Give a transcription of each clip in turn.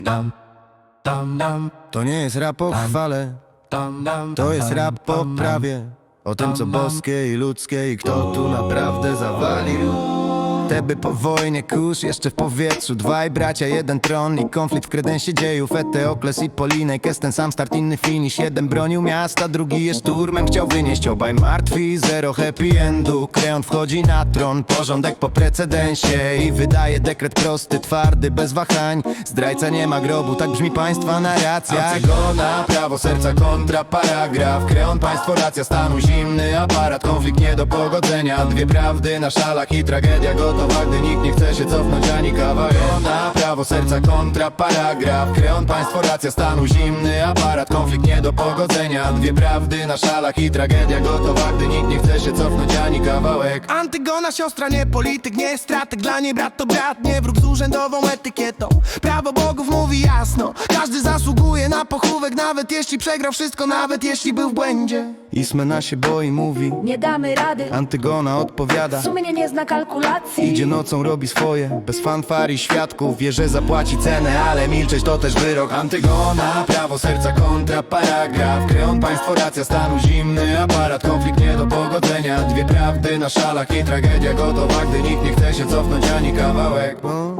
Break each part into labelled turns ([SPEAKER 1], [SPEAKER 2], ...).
[SPEAKER 1] Dam, dam, dam.
[SPEAKER 2] To nie jest rap o chwale, to jest rap o prawie. O tym co boskie i ludzkie i kto tu naprawdę zawalił. Teby po wojnie kurz jeszcze w powietrzu. Dwaj bracia, jeden tron i konflikt w kredensie dziejów. Eteokles i Polinek, jest ten sam start, inny finish. Jeden bronił miasta, drugi je szturmem chciał wynieść. Obaj martwi, zero happy endu. Kreon wchodzi na tron, porządek po precedensie i wydaje dekret prosty, twardy, bez wahań. Zdrajca nie ma grobu, tak brzmi państwa narracja. Antygona, prawo serca kontra paragraf. Kreon, państwo, racja stanu, zimny aparat. Konflikt nie do pogodzenia, dwie prawdy na szalach i tragedia gotowa, gdy nikt nie chce się cofnąć ani kawałek. Na prawo serca kontra paragraf. Kreon, państwo, racja stanu, zimny aparat. Konflikt nie do pogodzenia, dwie prawdy na szalach i tragedia gotowa, gdy nikt nie chce się cofnąć ani kawałek.
[SPEAKER 3] Antygona, siostra, nie polityk, nie strateg. Dla niej brat to brat, nie wróg z urzędową etykietą. Prawo bogów mówi jasno, każdy zasługuje na pochówek, nawet jeśli przegrał wszystko, nawet jeśli był w błędzie.
[SPEAKER 2] Ismena się boi, mówi
[SPEAKER 4] Nie damy rady,
[SPEAKER 2] Antygona odpowiada.
[SPEAKER 4] sumienie nie zna kalkulacji.
[SPEAKER 2] Idzie nocą, robi swoje, bez fanfar i świadków. Wie, że zapłaci cenę, ale milczeć to też wyrok. Antygona, prawo serca kontra paragraf. Kreon, państwo, racja stanu, zimny aparat. Konflikt nie do pogodzenia, dwie prawdy na szalach i tragedia gotowa, gdy nikt nie chce się cofnąć ani kawałek.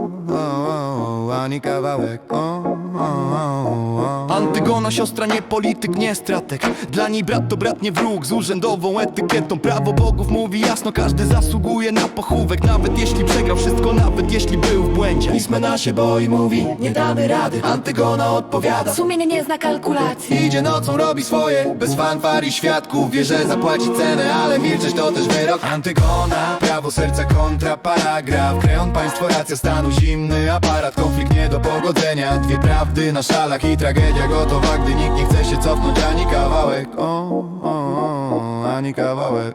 [SPEAKER 2] Ani kawałek.
[SPEAKER 3] Antygona, siostra, nie polityk, nie strateg. Dla niej brat to brat, nie wróg z urzędową etykietą. Prawo bogów mówi jasno, każdy zasługuje na pochówek, nawet jeśli przegrał wszystko, nawet jeśli był w błędzie. Ismena się boi, mówi nie damy rady. Antygona odpowiada,
[SPEAKER 4] Sumienie nie zna kalkulacji.
[SPEAKER 2] Idzie nocą, robi swoje, bez fanfar i świadków. Wie, że zapłaci cenę, ale milczeć to też wyrok. Antygona, prawo serca kontra paragraf. Kreon, państwo, racja stanu, zimny aparat. Konflikt nie do pogodzenia, dwie prawdy na szalach i tragedia gotowa, gdy nikt nie chce się cofnąć ani kawałek. Ani kawałek.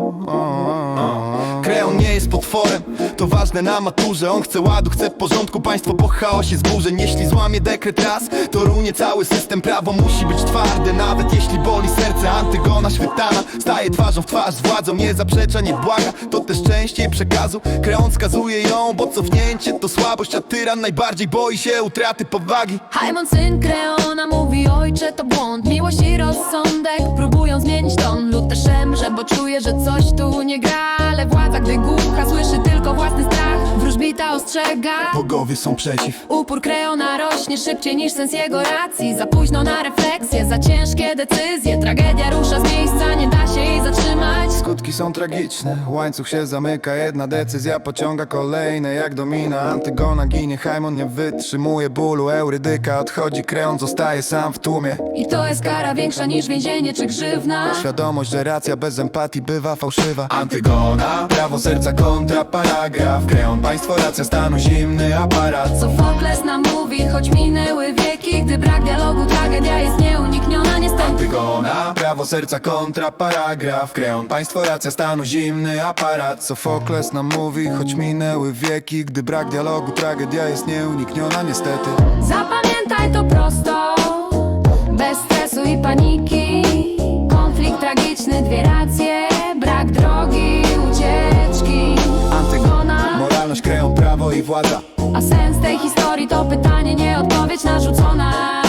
[SPEAKER 3] Kreon nie jest potworem, to ważne na maturze. On chce ładu, chce porządku, państwo po chaosie zburzeń. Jeśli złamie dekret raz, to runie cały system. Prawo musi być twarde, nawet jeśli boli serce. Antygona świetana, staje twarzą w twarz z władzą. Nie zaprzecza, nie błaga, to też część jej przekazu. Kreon skazuje ją, bo cofnięcie to słabość, a tyran najbardziej boi się utraty powagi.
[SPEAKER 4] Haimon, syn Kreona, mówi ojcze to błąd. Miłość i rozsądek próbują zmienić ton. Lud też szemrze, bo czuje, że coś tu nie gra. Ale władza, gdy głucha, słyszy tylko własny strach. Wróżbita ostrzega,
[SPEAKER 3] Bogowie są przeciw.
[SPEAKER 4] upór Kreona rośnie szybciej niż sens jego racji. Za późno na refleksję, za ciężkie decyzje. Tragedia rusza z miejsca, nie da się jej zatrzymać.
[SPEAKER 2] Skutki są tragiczne, łańcuch się zamyka. Jedna decyzja pociąga kolejne jak domina. Antygona ginie, Haimon nie wytrzymuje bólu. Eurydyka odchodzi, Kreon zostaje sam w tłumie.
[SPEAKER 4] I to jest kara większa niż więzienie czy grzywna.
[SPEAKER 2] Świadomość, że racja bez empatii bywa fałszywa. Antygona, prawo serca kontra paragraf. Kreon, państwo, racja stanu, zimny aparat.
[SPEAKER 4] Sofokles nam mówi, choć minęły wieki, gdy brak dialogu, tragedia jest nieunikniona niestety.
[SPEAKER 2] Antygona, prawo serca kontra paragraf. Kreon, państwo, racja stanu, zimny aparat. Sofokles nam mówi, choć minęły wieki, gdy brak dialogu, tragedia jest nieunikniona niestety.
[SPEAKER 4] Zapamiętaj to prosto, bez stresu i paniki. Konflikt tragiczny, dwie racje, brak drogi, ucieczki.
[SPEAKER 2] Antygona, moralność, Kreon, prawo i władza.
[SPEAKER 4] A sens tej historii to pytanie, nie odpowiedź narzucona.